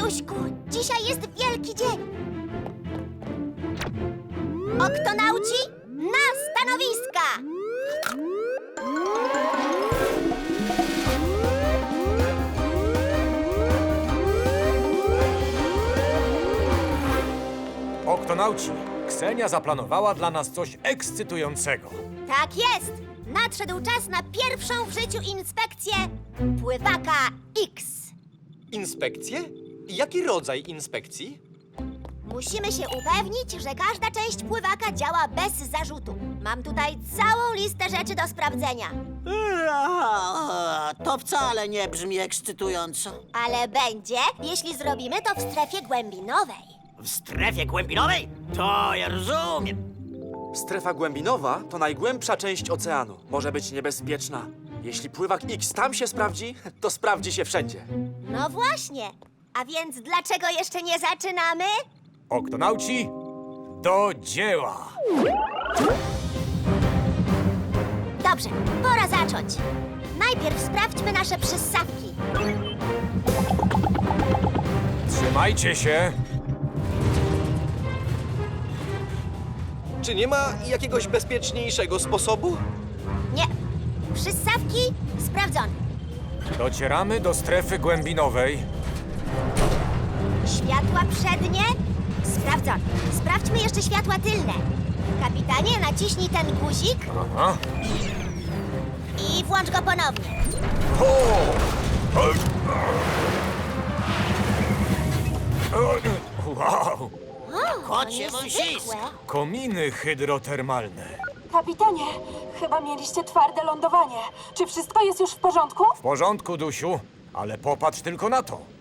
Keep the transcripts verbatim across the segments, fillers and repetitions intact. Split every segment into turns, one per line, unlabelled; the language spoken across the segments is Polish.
Duśku, dzisiaj jest wielki dzień. Oktonauci na stanowiska!
Oktonauci, Ksenia zaplanowała dla nas coś ekscytującego.
Tak jest! Nadszedł czas na pierwszą w życiu inspekcję pływaka X.
Inspekcje? Jaki rodzaj inspekcji?
Musimy się upewnić, że każda część pływaka działa bez zarzutu. Mam tutaj całą listę rzeczy do sprawdzenia.
Eee, To wcale nie brzmi ekscytująco.
Ale będzie, jeśli zrobimy to w strefie głębinowej.
W strefie głębinowej? To ja rozumiem.
Strefa głębinowa to najgłębsza część oceanu. Może być niebezpieczna. Jeśli pływak X tam się sprawdzi, to sprawdzi się wszędzie.
No właśnie. A więc dlaczego jeszcze nie zaczynamy?
Oktonauci, do dzieła!
Dobrze, pora zacząć. Najpierw sprawdźmy nasze przyssawki.
Trzymajcie się!
Czy nie ma jakiegoś bezpieczniejszego sposobu?
Nie. Przyssawki sprawdzone.
Docieramy do strefy głębinowej.
Światła przednie sprawdzone. Sprawdźmy jeszcze światła tylne. Kapitanie, naciśnij ten guzik
Aha.
i włącz go ponownie.
Wow!
O,
Kocie
niezwykłe.
wąsisko.
Kominy hydrotermalne.
Kapitanie, chyba mieliście twarde lądowanie. Czy wszystko jest już w porządku?
W porządku, Dusiu, ale popatrz tylko na to.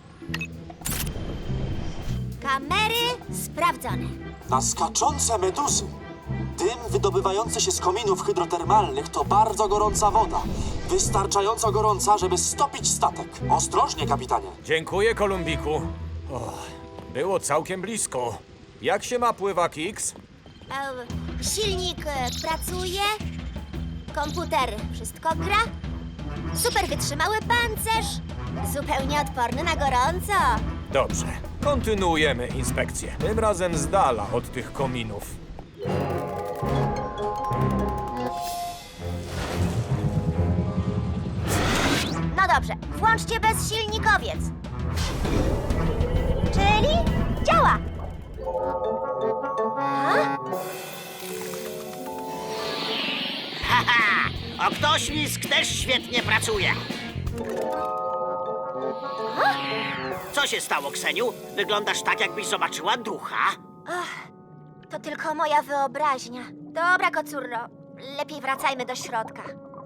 Kamery sprawdzone.
Na skaczące meduzy. Dym wydobywający się z kominów hydrotermalnych to bardzo gorąca woda. Wystarczająco gorąca, żeby stopić statek. Ostrożnie, kapitanie.
Dziękuję, Kolumbiku. O, było całkiem blisko. Jak się ma pływak X?
E, silnik e, pracuje. Komputer wszystko gra. Super wytrzymały pancerz. Zupełnie odporny na gorąco.
Dobrze, kontynuujemy inspekcję. Tym razem z dala od tych kominów.
No dobrze, włączcie bezsilnikowiec. Czyli działa. A?
Haha! Oktoślizg też świetnie pracuje. Co się stało, Kseniu? Wyglądasz tak, jakbyś zobaczyła ducha.
To tylko moja wyobraźnia. Dobra, kocurro. Lepiej wracajmy do środka.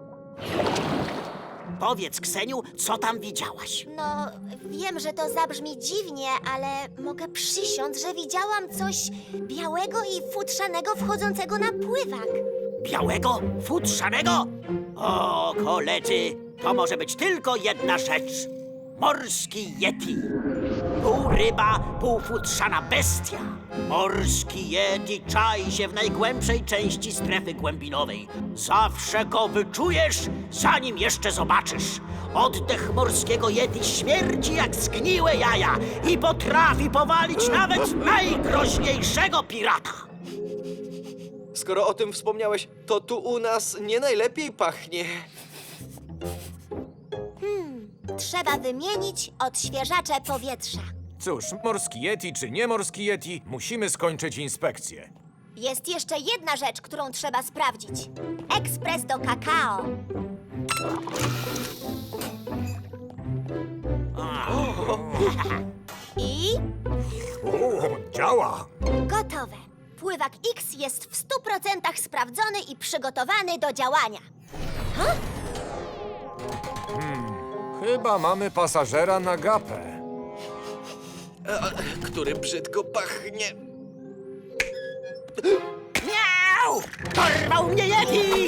Powiedz, Kseniu, co tam widziałaś?
No, wiem, że to zabrzmi dziwnie, ale mogę przysiąc, że widziałam coś białego i futrzanego wchodzącego na pływak.
Białego? Futrzanego? O, koledzy, to może być tylko jedna rzecz. Morski yeti. Pół ryba, pół futrzana bestia. Morski yeti czai się w najgłębszej części strefy głębinowej. Zawsze go wyczujesz, zanim jeszcze zobaczysz. Oddech morskiego yeti śmierdzi jak zgniłe jaja i potrafi powalić nawet najgroźniejszego pirata.
Skoro o tym wspomniałeś, to tu u nas nie najlepiej pachnie.
Trzeba wymienić odświeżacze powietrza.
Cóż, morski yeti czy nie morski yeti, musimy skończyć inspekcję.
Jest jeszcze jedna rzecz, którą trzeba sprawdzić. Ekspres do kakao. I
O, działa!
gotowe. Pływak X jest w stu procentach sprawdzony i przygotowany do działania.
Chyba mamy pasażera na gapę.
Który brzydko pachnie.
Miau! Dorwał mnie yeti!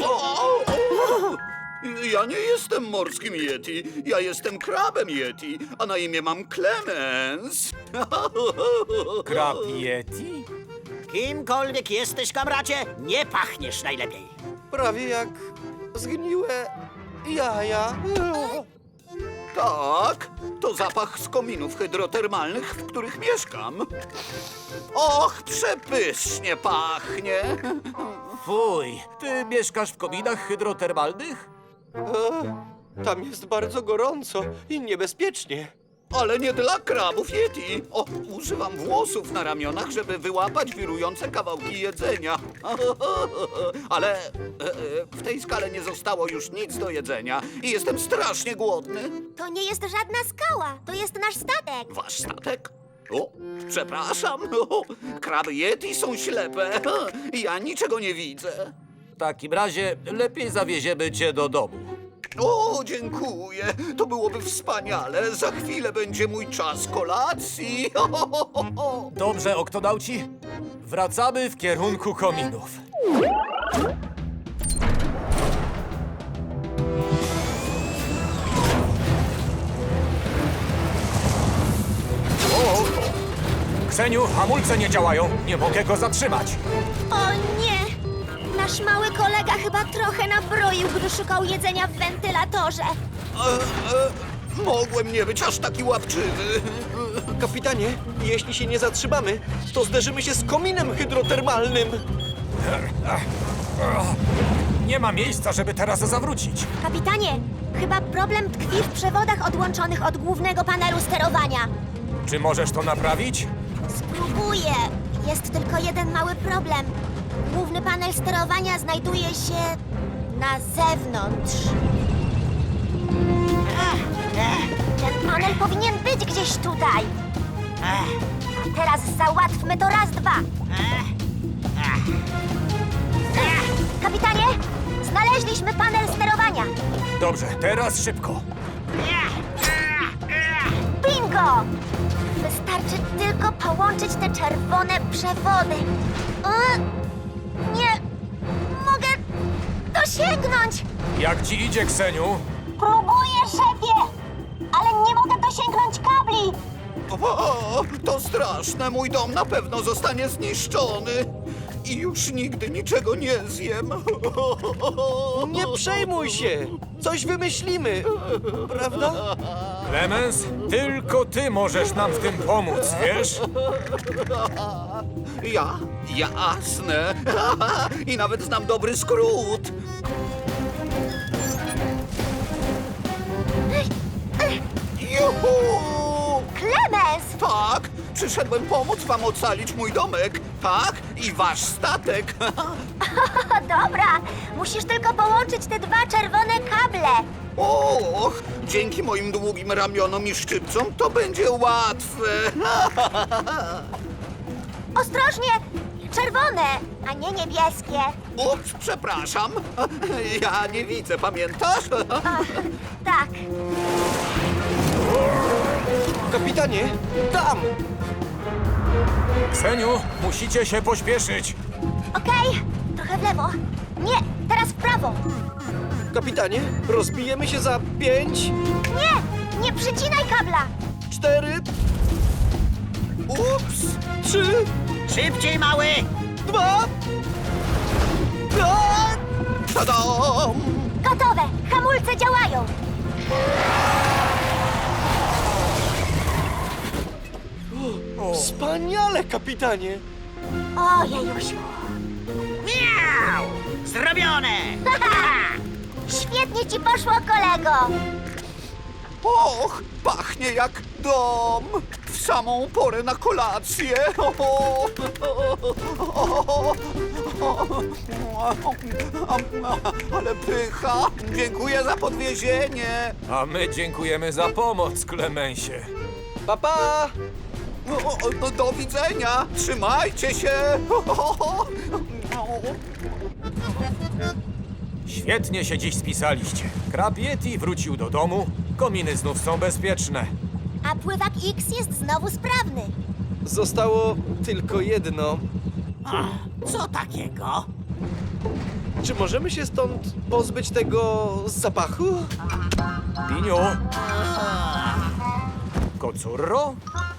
Ja nie jestem morskim Yeti, ja jestem krabem Yeti, a na imię mam Clemens.
Krab yeti?
Kimkolwiek jesteś, kamracie, nie pachniesz najlepiej.
Prawie jak zgniłe jaja.
Tak, to zapach z kominów hydrotermalnych, w których mieszkam. Och, przepysznie pachnie.
Fuj, ty mieszkasz w kominach hydrotermalnych?
Tam jest bardzo gorąco i niebezpiecznie.
Ale nie dla krabów Yeti. O, używam włosów na ramionach, żeby wyłapać wirujące kawałki jedzenia. Ale e, e, w tej skale nie zostało już nic do jedzenia i jestem strasznie głodny.
To nie jest żadna skała, to jest nasz statek.
Wasz statek? O, przepraszam. O, kraby Yeti są ślepe. Ja niczego nie widzę.
W takim razie lepiej zawieziemy cię do domu.
O, dziękuję. To byłoby wspaniale. Za chwilę będzie mój czas kolacji.
Dobrze, oktonauci? Wracamy w kierunku kominów. O! Kseniu, hamulce nie działają. Nie mogę go zatrzymać.
O nie! Nasz mały kolega chyba trochę nabroił, gdy szukał jedzenia w wentylatorze.
E, e, mogłem nie być aż taki łapczywy.
Kapitanie, jeśli się nie zatrzymamy, to zderzymy się z kominem hydrotermalnym.
Nie ma miejsca, żeby teraz zawrócić.
Kapitanie, chyba problem tkwi w przewodach odłączonych od głównego panelu sterowania.
Czy możesz to naprawić?
Spróbuję. Jest tylko jeden mały problem. Główny panel sterowania znajduje się na zewnątrz. Ten panel powinien być gdzieś tutaj. A teraz załatwmy to raz, dwa. Kapitanie, znaleźliśmy panel sterowania.
Dobrze, teraz szybko.
Bingo! Wystarczy tylko połączyć te czerwone przewody. O, nie mogę dosięgnąć.
Jak ci idzie, Kseniu?
Próbuję, szefie, ale nie mogę dosięgnąć kabli.
O, to straszne. Mój dom na pewno zostanie zniszczony. I już nigdy niczego nie zjem.
Nie przejmuj się! Coś wymyślimy, prawda?
Clemens, tylko ty możesz nam w tym pomóc, wiesz?
Ja? Jasne. I nawet znam dobry skrót. Juhu!
Clemens!
Tak, przyszedłem pomóc wam ocalić mój domek. Tak, i wasz statek.
O, dobra, musisz tylko połączyć te dwa czerwone kable.
Och, dzięki moim długim ramionom i szczypcom to będzie łatwe.
Ostrożnie, czerwone, a nie niebieskie.
Ups, przepraszam. Ja nie widzę, pamiętasz?
Ach, tak.
Kapitanie, tam!
Kseniu, musicie się pośpieszyć.
Okej, trochę w lewo. Nie, teraz w prawo.
Kapitanie, rozbijemy się za pięć,
Nie, nie przycinaj kabla.
cztery,
Ups.
trzy,
Szybciej, mały!
dwa, a!
Tadam!
Gotowe, hamulce działają.
Wspaniale, kapitanie!
Ojejusiu.
Miau! Zrobione!
Świetnie ci poszło, kolego.
Och, pachnie jak dom. W samą porę na kolację. Ale pycha. Dziękuję za podwiezienie.
A my dziękujemy za pomoc, Klemensie.
Pa, pa!
O, o, do widzenia. Trzymajcie się.
Świetnie się dziś spisaliście. Krab Yeti wrócił do domu, kominy znów są bezpieczne.
A pływak X jest znowu sprawny.
Zostało tylko jedno.
Co takiego?
Czy możemy się stąd pozbyć tego zapachu?
Piniu? Kocurro?